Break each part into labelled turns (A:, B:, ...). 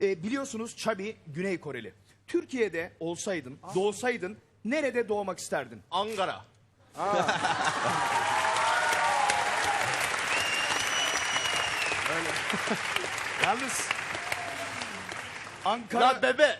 A: Biliyorsunuz Chubby Güney Koreli. Türkiye'de olsaydın, doğsaydın nerede doğmak isterdin?
B: Ankara.
A: Yalnız Ankara...
B: La bebe.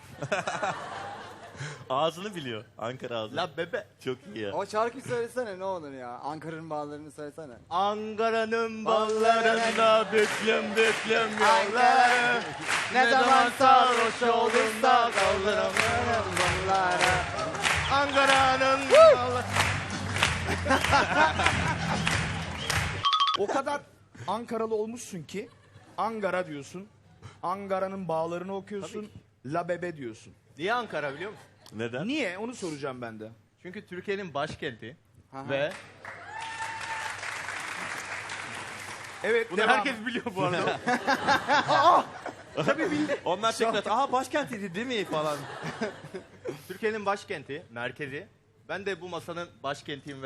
C: Ağzını biliyor. Ankara ağzını.
B: La bebe.
C: Çok iyi ya.
D: O şarkıyı söylesene ne olur ya. Ankara'nın bağlarını söylesene.
B: Ankara'nın ballarında büklüm yolları. Ne zaman sarhoş olduğunda kaldıramıyorum balları. Ankara'nın balları.
A: O kadar Ankaralı olmuşsun ki Angara diyorsun. Ankara'nın bağlarını okuyorsun. La Bebe diyorsun.
B: Niye Ankara biliyor musun?
C: Neden?
A: Niye? Onu soracağım ben de.
B: Çünkü Türkiye'nin başkenti
D: Aha.
B: ve
A: Evet,
B: bunu
A: devam.
B: herkes biliyor bu arada.
A: Tabii bildi.
C: Onlar tekrar aha başkentiydi değil mi falan.
B: Türkiye'nin başkenti, merkezi. Ben de bu masanın başkentiyim ve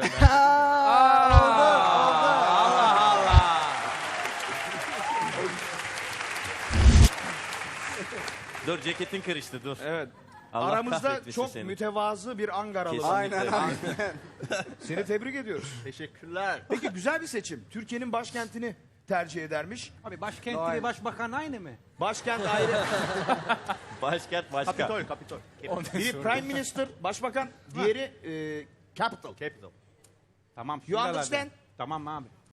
C: Dur ceketin karıştı dur.
A: Evet.
C: Allah
A: Aramızda
C: kahretmesin
A: çok
C: seni.
A: mütevazı bir Ankaralı.
C: Kesinlikle.
D: Aynen aynen.
A: Seni tebrik ediyoruz.
B: teşekkürler.
A: Peki güzel bir seçim. Türkiye'nin başkentini tercih edermiş.
E: Abi başkent
D: Vay.
E: ile başbakan aynı mı?
A: Başkent ayrı.
C: Başkent başka.
B: Kapitol.
A: Biri Prime Minister, başbakan. Diğeri Capital.
B: Capital.
E: Tamam.
A: You
E: şuralarda.
A: understand?
E: Tamam abi.